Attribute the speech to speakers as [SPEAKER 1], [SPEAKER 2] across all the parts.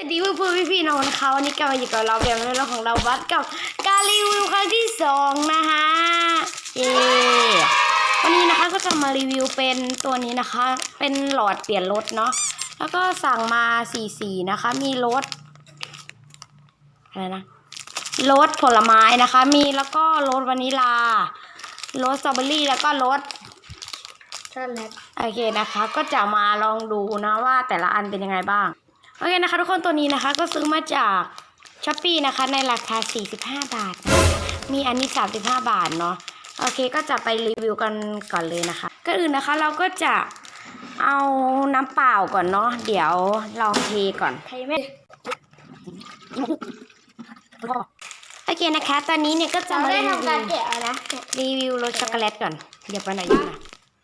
[SPEAKER 1] ดีเพื่อนพี่น้องนะคะวันนี้กลับมาอยู่กับเราแบบในเรื่องของเราบัสกับการรีวิวครั้งที่2นะคะเย้วันนี้นะคะก็จะมารีวิวเป็นตัวนี้นะคะเป็นหลอดเปลี่ยนรสเนาะแล้วก็สั่งมา4สีนะคะมีรสอะไรนะรสผลไม้นะคะมีแล้วก็รสวานิลารสสตรอเบอรี่แล้วก็รสช็อกโกแลตโอเคนะคะก็จะมาลองดูนะว่าแต่ละอันเป็นยังไงบ้างโอเคนะคะทุกคนตัวนี้นะคะก็ซื้อมาจาก Shopee นะคะในราคา45 บาทนะคะมีอันนี้35 บาทเนาะโอเคก็จะไปรีวิวกันก่อนเลยนะคะก็อื่นนะคะเราก็จะเอาน้ำเปล่าก่อนเนาะเดี๋ยวลองเทก่อนใครไม่โอเคนะคะตอนนี้เนี่ยก็จะมาทำการแกะนะรีวิวรสช็อกโกแลตก่อนเดี๋ยวไปไหนอยู่นะ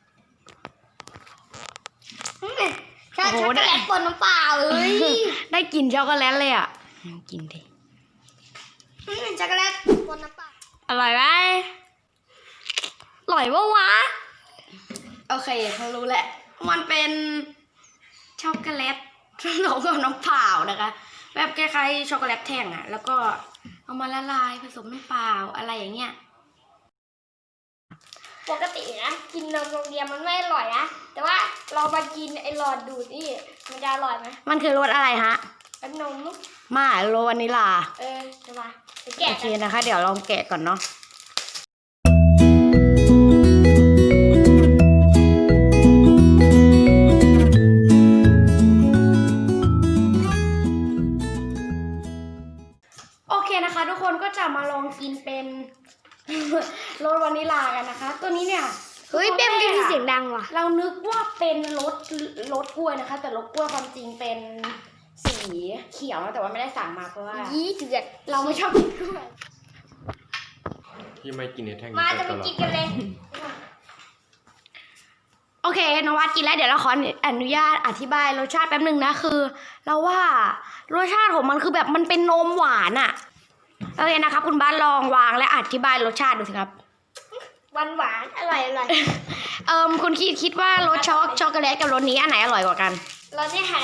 [SPEAKER 2] ช็อกโกแลตปนน้ำเปล่าเลย
[SPEAKER 1] ได้กลิ่นช็อกโกแลตเลยอ่ะกินดิ
[SPEAKER 2] ช็อกโกแลตปนน้ำเปล่า
[SPEAKER 1] อร่อยไหมอร่อยปะวะโอเคเขารู้แหละมันเป็นช็อกโกแลตเราก็น้ำเปล่านะคะแบบคล้ายๆช็อกโกแลตแท่งอ่ะแล้วก็เอามาละลายผสมน้ำเปล่าอะไรอย่างเงี้ย
[SPEAKER 2] ปกตินะกินนมโรงเรียนมันไม่อร่อยนะแต่ว่าเรามากินไอ้หลอดดูดนี่มันจะอร่อยไหม
[SPEAKER 1] มันคือรสอะไรฮะ
[SPEAKER 2] เป็นนม
[SPEAKER 1] มารสวานิลา
[SPEAKER 2] จะมาแกะ
[SPEAKER 1] โอเคนะคะเดี๋ยวลองแกะก่อนเนาะโอเคนะคะทุกคนก็จะมาลองกินเป็นรสวานิลากันนะคะตัวนี้เนี่ย
[SPEAKER 2] เฮ้ยเบ้มกันที่เสียงดังว่ะ
[SPEAKER 1] เรานึกว่าเป็นรสกล้วยนะคะแต่รสกล้วยความจริงเป็นสีเขียวแต่ว่าไม่ได้สั่งมาเพราะว่าเราไม่ชอบกินกล้วย
[SPEAKER 3] ที่ไม่กินในแท่ง
[SPEAKER 2] มาจะไปกินกันเลย
[SPEAKER 1] โอเคนวัดกินแล้วเดี๋ยวเราขออนุญาตอธิบายรสชาติแป๊บนึงนะคือเราว่ารสชาติของมันคือแบบมันเป็นนมหวานอะโอเคนะครับคุณบ้านลองวางและอธิบายรสชาติดูสิครับ
[SPEAKER 2] หวานอร่อย
[SPEAKER 1] คุณคิดว่ารสช็อกโกแลตกับรสนี้อันไหนอร่อยกว่ากัน
[SPEAKER 2] รสนี่ค่ะ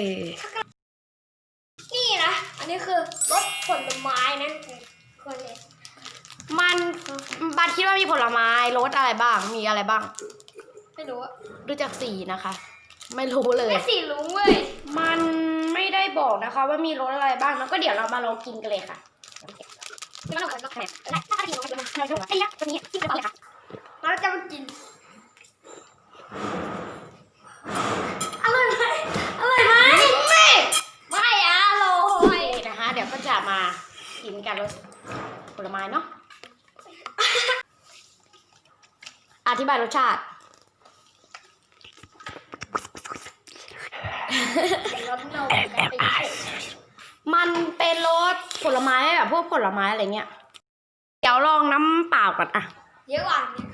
[SPEAKER 2] นี่นะอันนี้คือรสผลไม้นะคนเลย
[SPEAKER 1] มันบัดคิดว่ามีผลไม้รสอะไรบ้างมีอะไรบ้าง
[SPEAKER 2] ไม่รู้
[SPEAKER 1] ดูจากสีนะคะไม่รู้เลย
[SPEAKER 2] สีรู้เว้ย
[SPEAKER 1] มันไม่ได้บอกนะคะว่ามีรสอะไรบ้างแล้วก็เดี๋ยวเรามาลองกินกันเลยค่ะ
[SPEAKER 2] เราจะมากิน
[SPEAKER 1] อร่อยไหมไม่อร่อยนะคะเดี๋ยวก็จะมากินกันรสผลไม้เนาะอธิบายรสชาติมันเป็นรสผลไม้แบบพวกผลไม้อะไรเงี้ยเดี๋ยวลองน้ำเปล่าก่อนอะ
[SPEAKER 2] เยอะกว่า
[SPEAKER 1] นี้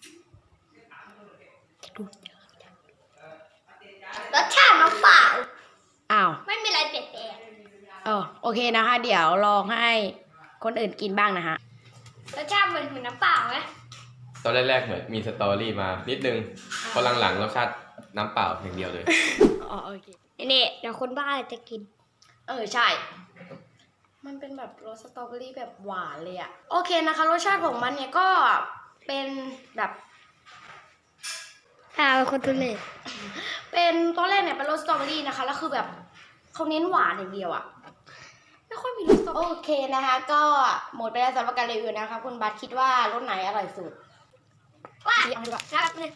[SPEAKER 2] รสชาติน้ำเปล่า
[SPEAKER 1] อ้าว
[SPEAKER 2] ไม่มีอะไรเปลี่ยนแปลง
[SPEAKER 1] โอเคนะคะเดี๋ยวลองให้คนอื่นกินบ้างนะคะ
[SPEAKER 2] รสชาติเหมือนน้ำเปล่าไหม
[SPEAKER 3] ตอนแรกๆเหมือนมีสตอรี่มานิดนึงพอหลังๆรสชาติน้ำเปล่าอย่างเดียวเลย
[SPEAKER 1] โอเค
[SPEAKER 2] นี่เดี๋ยวคนบ้าจะกิน
[SPEAKER 1] ใช่มันเป็นแบบรสสตรอเบอรี่แบบหวานเลยอะโอเคนะคะรสชาติของมันเนี่ยก็เป็นแบบ
[SPEAKER 2] คนตัวเล็ก
[SPEAKER 1] เป็นตัวแรกเนี่ยเป็นรสสตรอเบอรี่นะคะแล้วคือแบบเขาเน้นหวานอย่างเดียวอะไม่ค่อยมีรสสตรอเบอรี่โอเคนะคะก็หมดไปแล้วสำหรับการรีวิวนะคะคุณบัสคิดว่ารสไหนอร่อยสุด
[SPEAKER 2] ว่าเอาดีกว่า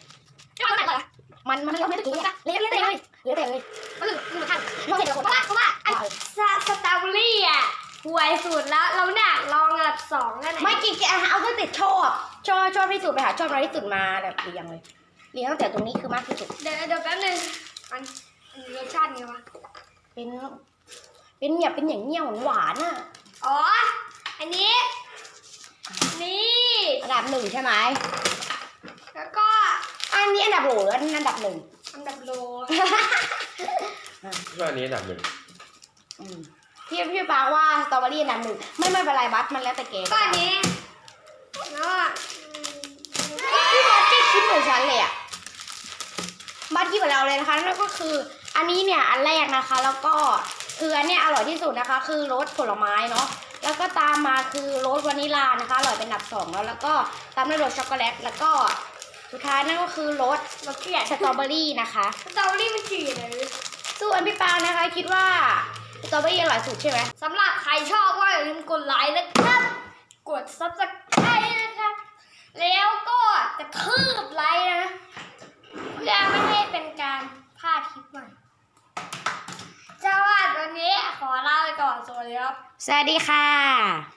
[SPEAKER 1] มันไม่ได้กินอะเละเลย
[SPEAKER 2] มันทานเพราะว่าสตรอเบอรี่อ่ะหวยสุดแล้วเราเนี่ยลองอันดับ2กันไหน
[SPEAKER 1] ไม่กินเอาตั้งแต่ชอบที่สุดไปหาชอบน้อยที่สุดมาแบบเรียงตั้งแต่ตรงนี้คือมากที่สุด
[SPEAKER 2] เดี๋ยวแป๊บนึงอันรสชาติไงวะ
[SPEAKER 1] เป็นเนี่ยเป็นอย่างเงี้ยหวานอ่ะ
[SPEAKER 2] อันนี้นี่
[SPEAKER 1] อันดับ1ใช่ไหม
[SPEAKER 2] แล้วก็
[SPEAKER 1] อันนี้อันดับโหลอันดับ1
[SPEAKER 2] อันดับโล
[SPEAKER 3] ช่วงนี้อันดับ1
[SPEAKER 1] พี่ปาว่าสตรอเบอรี่อันดับ1ไม่เป็นไรบัสมันแล้วแต่แก
[SPEAKER 2] ก็อันนี้แล้ว
[SPEAKER 1] พี่บัสคิดเหมือนฉันเลยอ่ะบัสคิดเหมือนเราเลยนะคะนั่นก็คืออันนี้เนี่ยอันแรกนะคะแล้วก็คืออันเนี้ยอร่อยที่สุดนะคะ คือรสผลไม้เนาะแล้วก็ตามมาคือรสวานิลานะคะอร่อยเป็นอันดับ2แล้วก็ตามด้วยรสช็อกโกแลตแล้วก็สุดท้ายนั่นก็คือรส
[SPEAKER 2] เราเกลียด
[SPEAKER 1] สตรอเบอรี่นะคะ
[SPEAKER 2] สตรอเบอรี่มันจืดเลย
[SPEAKER 1] ส่วนพี่ปางนะคะคิดว่าสตรอเบอรี่อร่อยสุดใช่ไหม
[SPEAKER 2] สำหรับใครชอบก็อย่าลืมกดไลค์นะครับกด subscribe นะครับแล้วก็กระทืบไลค์นะเพื่อไม่ให้เป็นการพลาดคลิปใหม่สวัสดีวันนี้ขอลาไปก่อนสวัสดีครับ
[SPEAKER 1] สวัสดีค่ะ